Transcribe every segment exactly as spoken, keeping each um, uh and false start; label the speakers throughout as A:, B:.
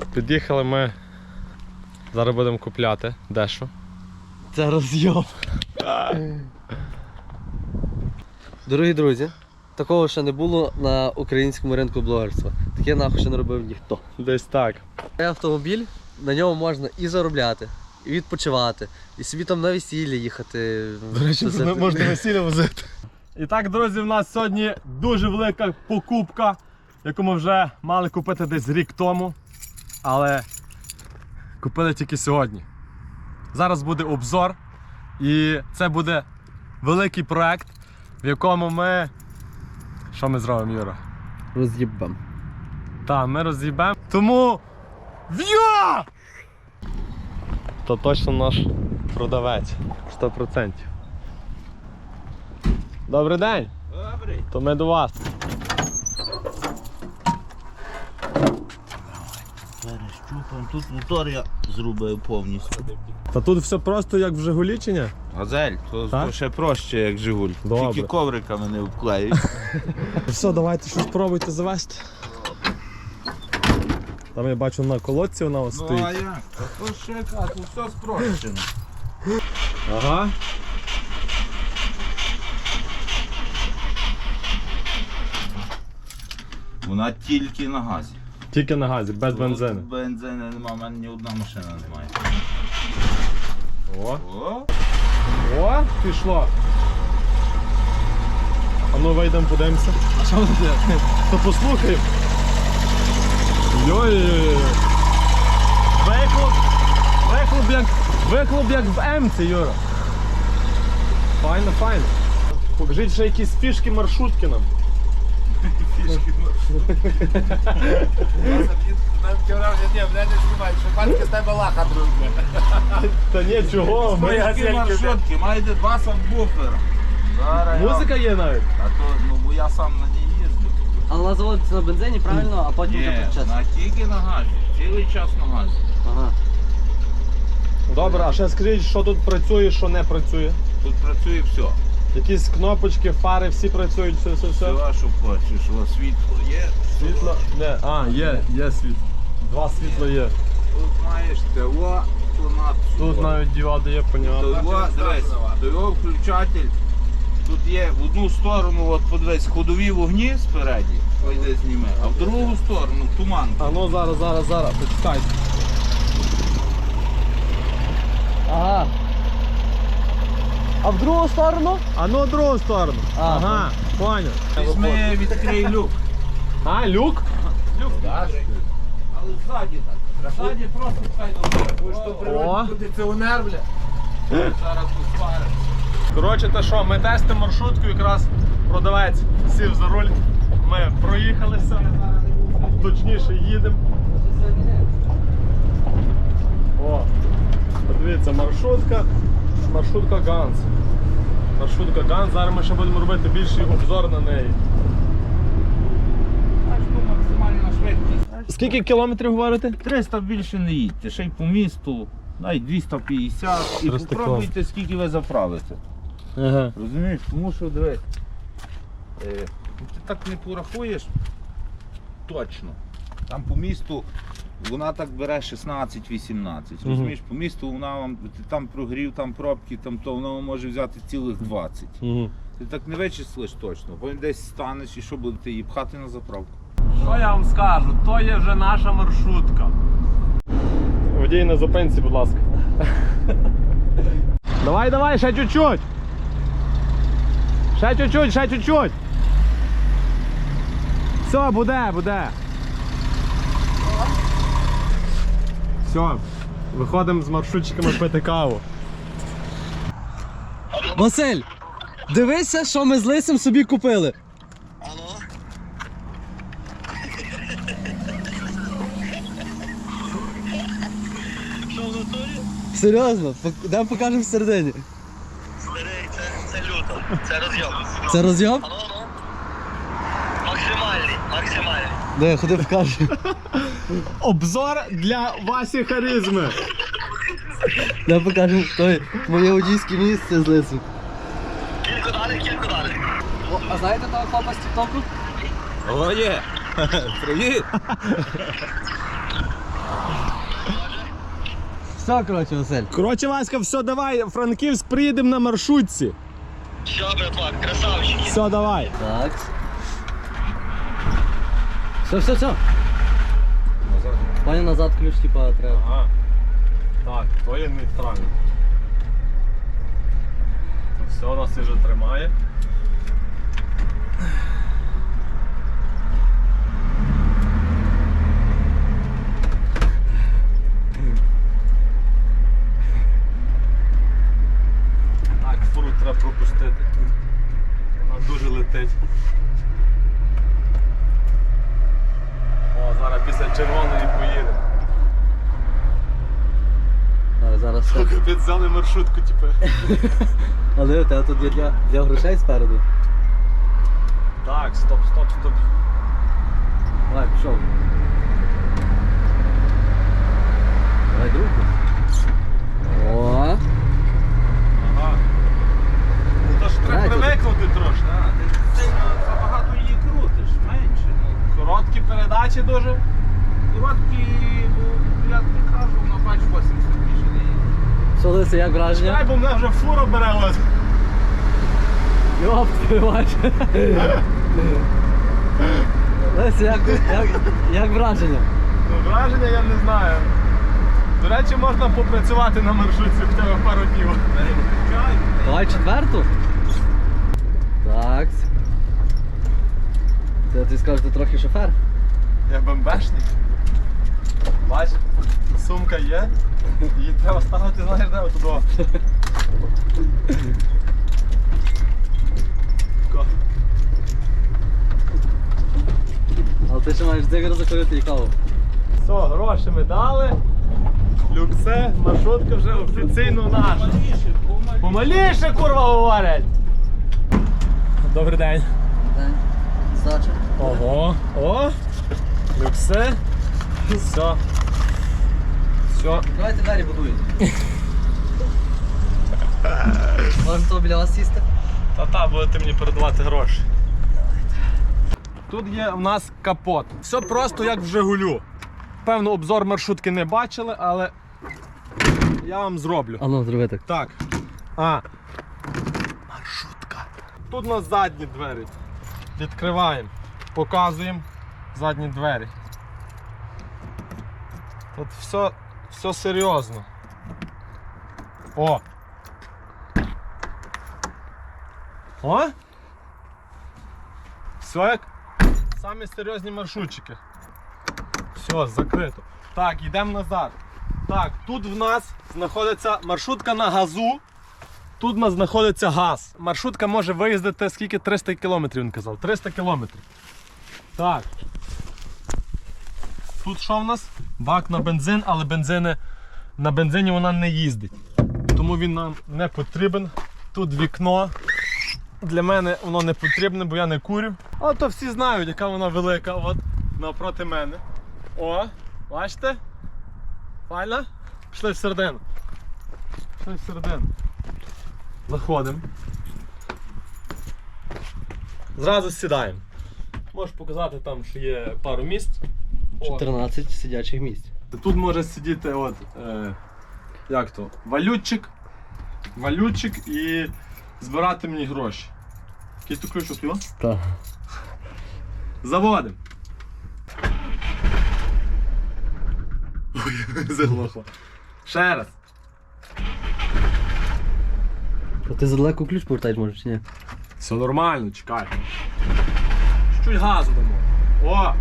A: Під'їхали ми, зараз будемо купляти дещо.
B: Це розйом. Дорогі друзі, такого ще не було на українському ринку блогерства. Таке нахуй ще не робив ніхто.
A: Десь так.
B: Цей автомобіль, на ньому можна і заробляти, і відпочивати, і собі там на весілля їхати.
A: До речі, можна весілля возити. І так, друзі, в нас сьогодні дуже велика покупка, яку ми вже мали купити десь рік тому, але купили тільки сьогодні. Зараз буде обзор, і це буде великий проект, в якому ми... Що ми зробимо, Юра?
B: Роз'їбем.
A: Так, ми роз'їбемо. Тому... В'я! То точно наш продавець. сто відсотків. Добрий день.
C: Добрий.
A: То ми до вас.
C: Перещупаємо. Тут мотор я зробив повністю.
A: Та тут все просто як в Жигулі чи ні?
C: Газель, то,
A: Так?
C: то ще проще, як Жигуль.
A: Добре.
C: Тільки ковриками не обклеюють.
A: Все, давайте щось пробуйте завести. Там я бачу на колодці вона ось
C: Ну
A: стоїть.
C: а як? Та то ще яка, тут все спрощено.
A: Ага.
C: Вона тільки на газі.
A: Тільки на газі, без бензину.
C: Тут бензину немає, в мене ні одна машина немає.
A: О,
C: О,
A: о, пішло. А ну вийдемо, подивимося.
B: А що буде?
A: То послухаємо. Йой-йой-йой. Вихлоп, вихлоп як, вихлоп як в М-ці, Юра. Файно, файно. Покажіть ще якісь фішки маршрутки нам.
C: фішки.
A: Та ні, чого? Ми
C: Такі маршрутки, маєте два сабвуфера. Зараз я-
A: Музика є навіть.
C: А то, ну бо я сам на ній їздив.
B: Але вона заводиться на бензині, правильно, а потім вже
C: Ні,
B: підчасно.
C: на тільки на газі. Цілий час на газі.
B: Ага.
A: Добре, а ще скажіть, що тут працює, що не працює.
C: Тут працює все.
A: Якісь кнопочки, фари, всі працюють, все, все, все.
C: Все, що хочеш. О, світло є.
A: Світло? Не, а, є, є світло. Два світла є.
C: Тут маєш ТО, то на
A: Тут навіть діоди є, понятно.
C: ТО, дивись, ТО включатель. Тут є в одну сторону, от подивись, ходові вогні спереді, пойди зніми, а в другу сторону туман.
A: А ну зараз, зараз, зараз, почекайте.
B: Ага. А в другу сторону?
A: А ну в другу сторону.
B: А,
A: Ага, понял.
C: Візьми, відкрий люк.
A: А, люк?
C: Люк, так. Але ззаді так. Ззаді просто хай добре.
A: О.
C: Кондиціонер, бля. Зараз тут спариш.
A: Коротше, то що, ми тестимо маршрутку, якраз продавець сів за руль. Ми проїхалися, точніше їдемо. О, подивіться, маршрутка, маршрутка Ганс. Маршрутка Ганс, зараз ми ще будемо робити більший обзор на неї.
C: Бачиш, тут максимальна швидкість.
A: Скільки кілометрів говорите?
C: триста більше не їдьте, ще й по місту, навіть двісті п'ятдесят. І
A: триста
C: попробуйте, скільки ви заправите.
A: Ага.
C: Розумієш, тому що дивись, е, ти так не порахуєш точно. Там по місту вона так бере шістнадцять-вісімнадцять.
A: Мгм.
C: Розумієш, по місту вона вам, ти там прогрів, там пробки, там то вона вам може взяти цілих двадцять.
A: Угу.
C: Ти так не вичислиш точно, потім десь станеш і що будете її пхати на заправку.
A: Що я вам скажу? То є вже наша маршрутка. Водій на зупинці, будь ласка. Давай, давай, ще чуть-чуть. Ще чуть-чуть, ще чуть-чуть. Все, буде, буде. Все, виходимо з маршрутчиками пити каву.
B: Василь, дивися, що ми з Лисим собі купили.
D: Що в натурі?
B: Серйозно, йдемо покажемо всередині.
D: Старий, це, це люто. Це розйом.
B: Це розйом?
D: Ану, ану. Максимальний, максимальний.
B: Де, ходи покажу.
A: Обзор для Васі Харизми.
B: Де покажемо той моє водійське місце з Лисом.
D: Кілько далі, кілько далі.
B: А знаєте того хлопа з тіктоку?
C: О, є! Привіт!
B: все, коротше, Василь.
A: Коротше, Васька, все, давай, Франківськ, приїдемо на маршрутці.
D: Все, братва, красавчики.
A: Все, давай.
B: Так. Все, все, все. Пані назад ключ, типа, треба.
A: Ага. Так, то є нейтрально. То все у нас вже тримає. Так, фуру треба пропустити. Вона дуже летить. О, зараз після червоної поїдемо.
B: А, зараз все.
A: Капець, взяли маршрутку, типу.
B: Але у тебе тут є для, для грошей спереду.
A: Так, стоп, стоп, стоп.
B: Давай, пішов. Давай другу. О,
A: Ага. Ну то ж треба
B: Знаєте,
A: привикнути трошки.
C: Так, ти сильно забагато її крутиш, менше. Ну,
A: Короткі передачі дуже.
C: короткі, ну, я тобі кажу, вона бач вісімдесят більше не їде.
B: що Лися, як
A: Чекай,
B: враження?
A: бо мене вже фура бере ось.
B: Йоп, ти бачиш. Лися, як, як, як враження?
A: Ну, враження я не знаю. До речі, можна попрацювати на маршрутці в тебе пару днів.
C: Переключай.
B: Давай четверту. Так. Це ти скажеш, ти трохи шофер?
A: Я бомбешник. Бач, сумка є. Її треба ставити, знаєш, де отудо. Ко.
B: Але ти ще маєш дзигар закурити і каву.
A: Все, гроші ми дали. Люксе, маршрутка вже офіційно наша.
C: Помаліше, помаліше.
A: Помаліше, курва, говорять! Добрий день.
B: Здача.
A: Ого, о, люксе. Все. Все.
B: Давайте двері будують. Можна того біля вас сісти?
A: Та-та, будете мені передавати гроші. Тут є в нас капот. Все просто як в Жигулю. Певно, обзор маршрутки не бачили, але я вам зроблю.
B: А ну, зроби так.
A: Так. А. Маршрутка. Тут у нас задні двері. Відкриваємо. Показуємо задні двері. Тут все, все серйозно. О! О! Все як самі серйозні маршрутчики. Все, закрито. Так, йдемо назад. Так, тут в нас знаходиться маршрутка на газу. Тут у нас знаходиться газ. Маршрутка може виїздити скільки? триста кілометрів, він казав. триста кілометрів. Так. Тут що в нас? Бак на бензин, але бензини, на бензині вона не їздить. Тому він нам не потрібен. Тут вікно. Для мене воно не потрібне, бо я не курю. А то всі знають, яка вона велика. От, навпроти мене. О, бачите? Файна? Пішли всередину. Пішли всередину. Заходимо. Зразу сідаємо. Можеш показати там, що є пару місць. О,
B: чотирнадцять сидячих місць.
A: тут може сидіти от, е, як то, валютчик, валютчик і збирати мені гроші. Який то ключ от його?
B: Так.
A: Заводимо. Ой, заглохло. Ще раз.
B: А ти задалеко ключ повертаєш, може, чи ні?
A: Все нормально, чекай. Чуть газу дамо. О!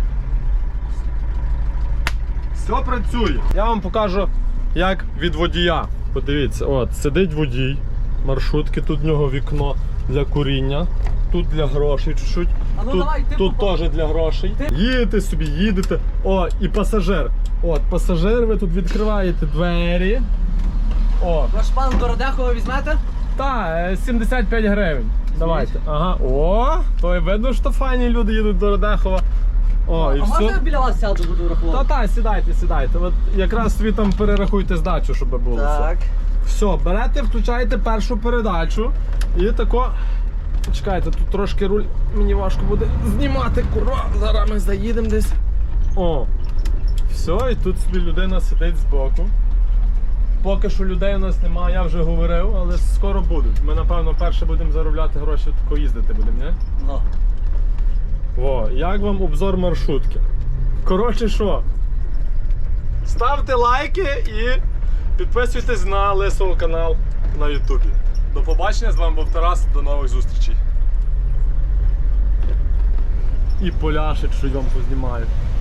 A: Все працює. Я вам покажу, як від водія. Подивіться, от, сидить водій маршрутки, тут в нього вікно для куріння, тут для грошей чуть-чуть,
B: А ну
A: тут,
B: давай, ти
A: тут
B: попав.
A: теж для грошей. Їдете собі, їдете. О, і пасажир. От, пасажир, ви тут відкриваєте двері. О,
B: Ваш пан Городехова візьмете?
A: та, сімдесят п'ять гривень. Давайте. Ага. О, то і видно, що файні люди їдуть до Радехова. О, і
B: А можна я
A: все.
B: біля вас сяду, буду рахувати?
A: Та-та, сідайте, сідайте. От якраз собі там перерахуйте здачу, щоб було
B: Так.
A: все. Все, берете, включаєте першу передачу і тако. Чекайте, тут трошки руль мені важко буде знімати, курва. Зараз ми заїдемо десь. О. Все, і тут собі людина сидить збоку. Поки що людей у нас немає, я вже говорив, але скоро будуть. Ми, напевно, перше будемо заробляти гроші, тако їздити будемо, не?
B: Ну.
A: О, як вам обзор маршрутки? Коротше що? Ставте лайки і підписуйтесь на Лисого канал на Ютубі. До побачення, з вами був Тарас, до нових зустрічей. І поляшить, що вам познімаю.